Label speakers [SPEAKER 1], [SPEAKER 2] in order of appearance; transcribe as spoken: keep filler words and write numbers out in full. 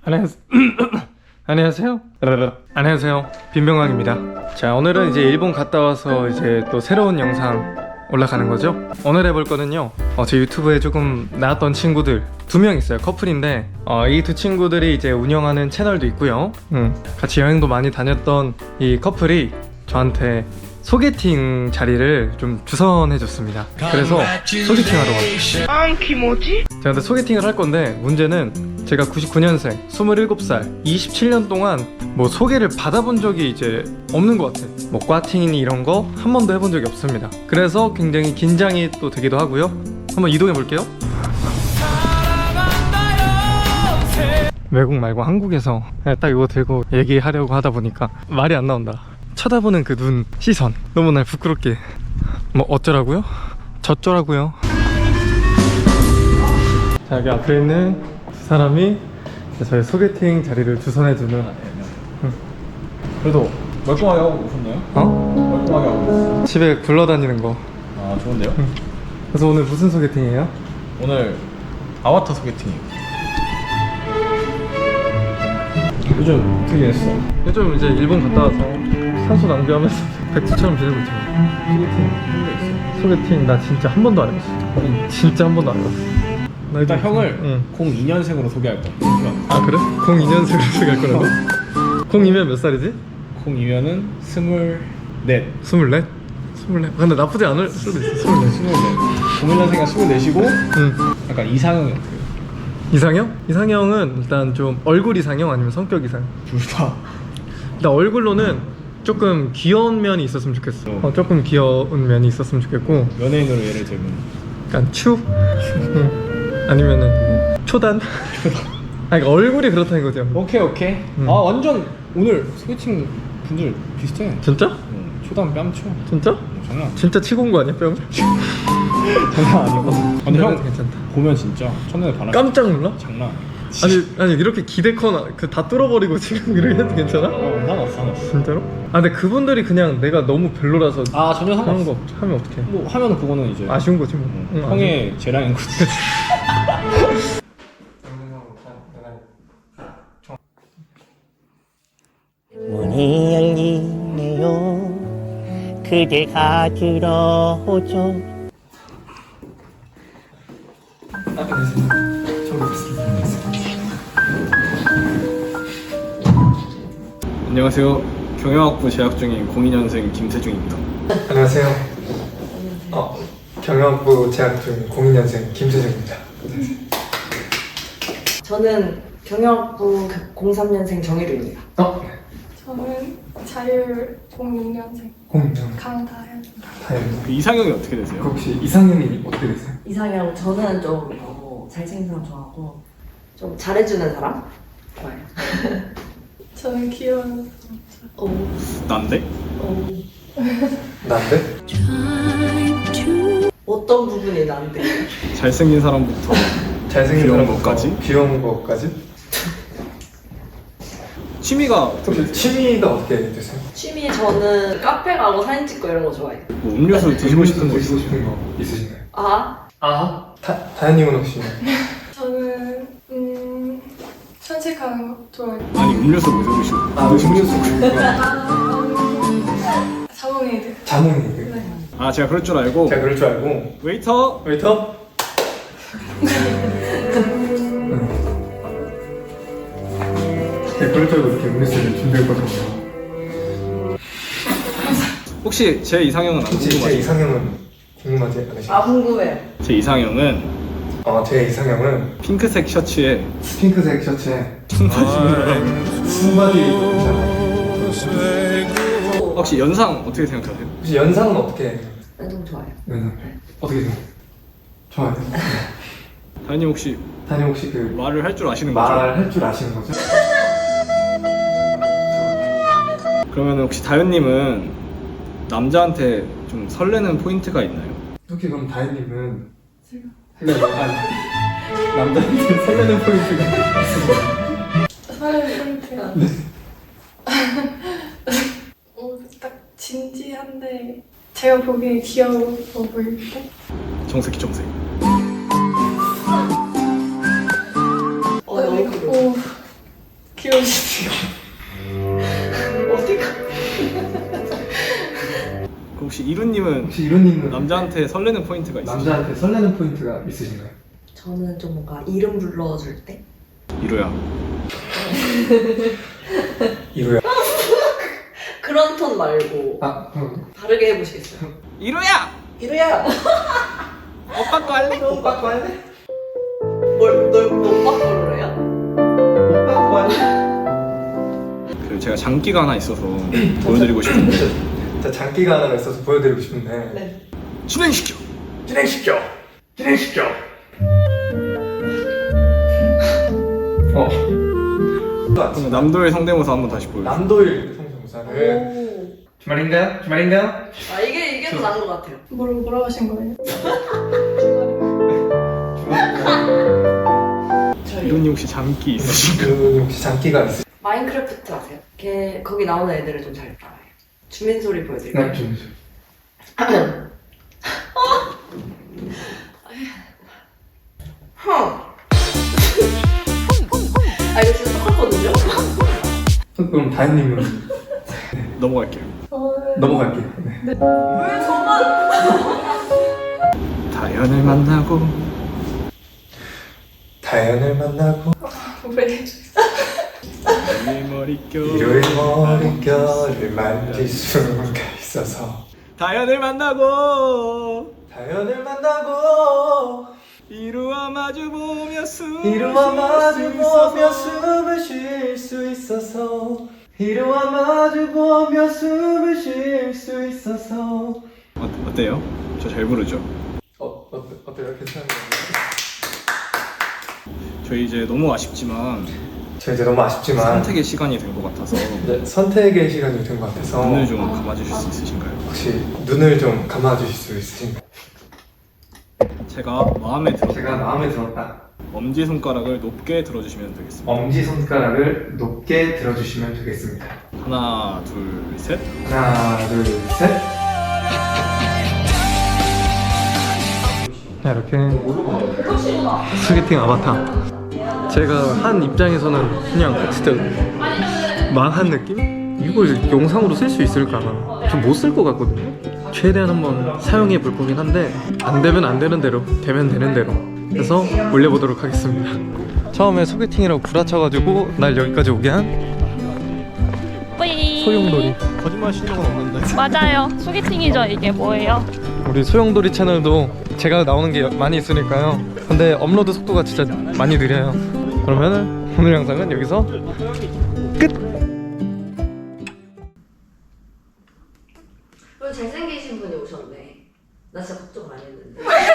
[SPEAKER 1] 안녕하세요. 안녕하세요. 안녕하세요. 빈병왕입니다. 자, 오늘은 이제 일본 갔다 와서 이제 또 새로운 영상 올라가는 거죠. 오늘 해볼 거는요, 어, 제 유튜브에 조금 나왔던 친구들 두 명 있어요. 커플인데 어, 이 두 친구들이 이제 운영하는 채널도 있고요. 음, 같이 여행도 많이 다녔던 이 커플이 저한테 소개팅 자리를 좀 주선해 줬습니다. 그래서 소개팅 하러 왔어요.
[SPEAKER 2] 아, 기모지?
[SPEAKER 1] 제가 근데 소개팅을 할 건데 문제는 제가 구십구 년생, 스물일곱 살, 이십칠 년 동안 뭐 소개를 받아본 적이 이제 없는 것 같아요. 뭐 꽈팅이니 이런 거 한 번도 해본 적이 없습니다. 그래서 굉장히 긴장이 또 되기도 하고요. 한번 이동해 볼게요. 외국 말고 한국에서 그냥 딱 이거 들고 얘기하려고 하다 보니까 말이 안 나온다. 쳐다보는 그 눈, 시선 너무 날 부끄럽게. 뭐 어쩌라고요? 저쩌라고요? 자, 여기 앞에 있는 두 사람이 저희 소개팅 자리를 주선해주는. 응. 그래도
[SPEAKER 3] 멀쩡하게 하고 오셨나요?
[SPEAKER 1] 어?
[SPEAKER 3] 멀쩡하게 하고 오셨어요.
[SPEAKER 1] 집에 굴러다니는 거.
[SPEAKER 3] 아, 좋은데요?
[SPEAKER 1] 응. 그래서 오늘 무슨 소개팅이에요?
[SPEAKER 3] 오늘 아바타 소개팅이에요. 요즘 어떻게 했어?
[SPEAKER 1] 요즘 이제 일본 갔다 와서 산소 낭비하면서 백수처럼 지내고 있죠.
[SPEAKER 3] 소개팅 한게 있어?
[SPEAKER 1] 소개팅 나 진짜 한 번도 안 해봤어. 진짜 한 번도 안 해봤어. 나
[SPEAKER 3] 일단
[SPEAKER 1] 이제-
[SPEAKER 3] 형을
[SPEAKER 1] 응.
[SPEAKER 3] 공이 년생으로 소개할 거야.
[SPEAKER 1] 아 그래? 공이 년생으로 소개할 거라고? 공이면 몇 살이지?
[SPEAKER 3] 공이면은 스물넷.
[SPEAKER 1] 스물넷? 스물넷. 근데 나쁘지 않을 수도 있어. 스물넷.
[SPEAKER 3] 스물넷. 공일 년생이가 스물넷이고
[SPEAKER 1] 응.
[SPEAKER 3] 약간 이상형이 어때요?
[SPEAKER 1] 이상형? 이상형은 일단 좀 얼굴 이상형 아니면 성격 이상형?
[SPEAKER 3] 둘 다.
[SPEAKER 1] 일단 얼굴로는 조금 귀여운 면이 있었으면 좋겠어. 어, 조금 귀여운 면이 있었으면 좋겠고,
[SPEAKER 3] 연예인으로 예를 들면
[SPEAKER 1] 약간 추? 응. 아니면은 초단? 아니 그러니까 얼굴이 그렇다는 거죠.
[SPEAKER 3] 오케이 오케이.
[SPEAKER 1] 음.
[SPEAKER 3] 아 완전 오늘 소개팅 분들 비슷해.
[SPEAKER 1] 진짜?
[SPEAKER 3] 응, 초단 뺨쳐.
[SPEAKER 1] 진짜?
[SPEAKER 3] 어, 장난 아니야.
[SPEAKER 1] 진짜 치고 온 거 아니야 뺨을?
[SPEAKER 3] 장난 아니고. 근데 형
[SPEAKER 1] 괜찮다.
[SPEAKER 3] 보면 진짜 첫눈에 반할.
[SPEAKER 1] 깜짝 놀라?
[SPEAKER 3] 장난.
[SPEAKER 1] 아니 아니 이렇게 기대커나 그 다 뚫어버리고 지금 이렇게 해도 괜찮아?
[SPEAKER 3] 어, 상관없어 상관없어.
[SPEAKER 1] 진짜로? 아 근데 그분들이 그냥 내가 너무 별로라서
[SPEAKER 3] 아 전혀
[SPEAKER 1] 하는
[SPEAKER 3] 상관없어.
[SPEAKER 1] 거 하면 어떡해?
[SPEAKER 3] 뭐 하면은 그거는 이제
[SPEAKER 1] 아쉬운 거지 뭐.
[SPEAKER 3] 응,
[SPEAKER 1] 응,
[SPEAKER 3] 형의 재량인 거지.
[SPEAKER 4] 문이 열리네요. 그대가 들어오죠.
[SPEAKER 3] 안녕하세요. 경영학부 재학 중인 공이 년생 김세중입니다.
[SPEAKER 1] 안녕하세요. 어, 경영학부 재학 중 공이 년생 김세중입니다.
[SPEAKER 5] 저는 경영학부 공삼 년생 정혜루입니다.
[SPEAKER 1] 어?
[SPEAKER 6] 저는 자율 공육 년생
[SPEAKER 1] 공년
[SPEAKER 6] 강다현.
[SPEAKER 1] 다행이다.
[SPEAKER 3] 그 이상형이 어떻게 되세요?
[SPEAKER 1] 그 혹시 이상형이 어떻게 되세요?
[SPEAKER 5] 이상형 저는 좀 어, 잘생긴 사람 좋아하고 좀 잘해주는 사람 좋아해요.
[SPEAKER 6] 저는 귀여운
[SPEAKER 5] 오,
[SPEAKER 3] 난데?
[SPEAKER 5] 오.
[SPEAKER 1] 난데?
[SPEAKER 5] 어떤 부분이 나한테?
[SPEAKER 3] 잘생긴 사람부터
[SPEAKER 1] 잘생긴
[SPEAKER 3] 귀여운
[SPEAKER 1] 사람부터
[SPEAKER 3] 것까지?
[SPEAKER 1] 귀여운 것까지?
[SPEAKER 3] 취미가 어떻게
[SPEAKER 1] 그럼
[SPEAKER 3] 되세요?
[SPEAKER 1] 취미가 어떻게 되세요?
[SPEAKER 5] 취미 저는 카페 가고 사진 찍고 이런 거 좋아해요.
[SPEAKER 3] 뭐 음료수 드시고 싶은 거
[SPEAKER 1] 드시고
[SPEAKER 3] 있어요?
[SPEAKER 1] 싶은 거 있으신가요?
[SPEAKER 5] 아,
[SPEAKER 1] 아? 다, 다현님은 혹시?
[SPEAKER 6] 저는 음 산책하는 거 좋아해요.
[SPEAKER 3] 아니 음료수 뭐 드시고
[SPEAKER 1] 아 음료수
[SPEAKER 6] 자몽에이드.
[SPEAKER 1] 자몽이
[SPEAKER 6] 네.
[SPEAKER 3] 아 제가 그럴 줄 알고
[SPEAKER 1] 제가 그럴 줄 알고
[SPEAKER 3] 웨이터
[SPEAKER 1] 웨이터? 제가 그럴 줄 알고 이렇게 음료수를 준비했거든요.
[SPEAKER 3] 혹시 제 이상형은 안
[SPEAKER 1] 혹시 제
[SPEAKER 3] 궁금하세요?
[SPEAKER 1] 이상형은 궁금하지 않으신가요?
[SPEAKER 5] 아 궁금해요.
[SPEAKER 3] 제 이상형은
[SPEAKER 1] 어, 제 이상형은
[SPEAKER 3] 핑크색 셔츠에
[SPEAKER 1] 핑크색 셔츠에 순바지
[SPEAKER 3] 혹시 연상 어떻게 생각하세요?
[SPEAKER 1] 혹시 연상은 어떻게?
[SPEAKER 5] 완전 좋아요.
[SPEAKER 1] 연상 어떻게 생각해요? 좋아요.
[SPEAKER 3] 다현님 혹시
[SPEAKER 1] 다님 혹시 그
[SPEAKER 3] 말을 할 줄 아시는 거죠?
[SPEAKER 1] 말할 줄 아시는 거죠?
[SPEAKER 3] 그러면 혹시 다현님은 남자한테 좀 설레는 포인트가 있나요?
[SPEAKER 1] 혹시 그럼 다혜님은 설레는 아니 남자한테 설레는 포인트가 있으세요?
[SPEAKER 6] 설레는 포인트가. 어, 딱 진지한데 제가 보기엔 귀여워 보일 때.
[SPEAKER 3] 정색이 정색.
[SPEAKER 5] 어, 너무
[SPEAKER 6] 오, 귀여우시죠?
[SPEAKER 5] 어디가?
[SPEAKER 3] 그럼 혹시 이루님은
[SPEAKER 1] 혹시 이론님은
[SPEAKER 3] 남자한테 설레는 포인트가 있으세요?
[SPEAKER 1] 남자한테 설레는 포인트가 있으신가요?
[SPEAKER 5] 저는 좀 뭔가 이름 불러줄 때?
[SPEAKER 3] 이루야.
[SPEAKER 1] 이루야.
[SPEAKER 5] 그런 톤 말고
[SPEAKER 1] 아, 음.
[SPEAKER 5] 다르게 해보시겠어요?
[SPEAKER 3] 이루야!
[SPEAKER 5] 이루야!
[SPEAKER 3] 오빠 거 할래?
[SPEAKER 1] 오빠 거 할래?
[SPEAKER 5] 뭘, 널 오빠 걸로 해요?
[SPEAKER 1] 오빠 거 할래?
[SPEAKER 3] 그리고 제가 장기가 하나 있어서 보여드리고 싶은데
[SPEAKER 1] 자, 장기가 하나 있어서 보여드리고 싶은데
[SPEAKER 5] 네.
[SPEAKER 3] 진행시켜!
[SPEAKER 1] 진행시켜! 진행시켜! 어.
[SPEAKER 3] 그럼 남도의 성대모사 한번 다시 보여주세요.
[SPEAKER 1] 남도일 성대모사를
[SPEAKER 5] 오.
[SPEAKER 1] 주말인가요? 주말인가요?
[SPEAKER 5] 아, 이게, 이게 더 나은 것 같아요.
[SPEAKER 6] 뭐라, 뭐라고 하신 거예요?
[SPEAKER 5] 저희
[SPEAKER 3] 이루님 혹시 장기 있으신가요?
[SPEAKER 1] 그 혹시 장기가 있으
[SPEAKER 5] 마인크래프트 아세요? 걔, 거기 나오는 애들을 좀 잘 따라해요. 주민 소리 보여드릴까요?
[SPEAKER 1] 네, 좀
[SPEAKER 5] 헝. 아, 이거 진짜 똑같거든요?
[SPEAKER 1] 그럼 다현님은
[SPEAKER 3] 넘어갈게요.
[SPEAKER 6] 저는
[SPEAKER 1] 넘어갈게요. 네.
[SPEAKER 5] 왜 저만?
[SPEAKER 3] 다현을 만나고
[SPEAKER 1] 다현을 만나고
[SPEAKER 6] 왜?
[SPEAKER 3] 이 머릿결
[SPEAKER 1] 일요일 머릿결을 만질 수가 있어서
[SPEAKER 3] 다현을 만나고
[SPEAKER 1] 다현을 만나고
[SPEAKER 3] 이루와 마주보며 숨을
[SPEAKER 1] 이루와
[SPEAKER 3] 쉴수
[SPEAKER 1] 마주보며
[SPEAKER 3] 있어서.
[SPEAKER 1] 숨을 쉴 수 있어서 이루와 마주보며 숨을 쉴 수 있어서
[SPEAKER 3] 어, 어때요? 저 잘 부르죠?
[SPEAKER 1] 어, 어 어때요? 괜찮은가요?
[SPEAKER 3] 저희 이제 너무 아쉽지만
[SPEAKER 1] 저 이제 너무 아쉽지만
[SPEAKER 3] 선택의 시간이 된 것 같아서
[SPEAKER 1] 네, 선택의 시간이 된 것 같아서
[SPEAKER 3] 눈을 좀 감아주실 수 있으신가요?
[SPEAKER 1] 혹시 눈을 좀 감아주실 수 있으신가요?
[SPEAKER 3] 제가 마음에 들어
[SPEAKER 1] 제가 마음에 들었다.
[SPEAKER 3] 엄지손가락을 높게 들어주시면 되겠습니다.
[SPEAKER 1] 엄지손가락을 높게 들어주시면 되겠습니다.
[SPEAKER 3] 하나, 둘, 셋.
[SPEAKER 1] 하나, 둘, 셋. 자, 이렇게 소개팅 아바타. 제가 한 입장에서는 그냥 진짜 망한 느낌? 이걸 영상으로 쓸 수 있을까? 좀 못 쓸 것 같거든요. 최대한 한번 사용해 볼 거긴 한데 안 되면 안 되는 대로, 되면 되는 대로 해서 올려보도록 하겠습니다. 처음에 소개팅이라고 구라쳐가지고 날 여기까지 오게 한
[SPEAKER 2] 뿌이.
[SPEAKER 1] 소용돌이.
[SPEAKER 3] 거짓말 하시는 건 없는데.
[SPEAKER 2] 맞아요. 소개팅이죠. 이게 뭐예요?
[SPEAKER 1] 우리 소용돌이 채널도 제가 나오는 게 많이 있으니까요. 근데 업로드 속도가 진짜 많이 느려요. 그러면은 오늘 영상은 여기서 끝!
[SPEAKER 5] 왜 잘생기신 분이 오셨네. 나 진짜 걱정 많이 했는데.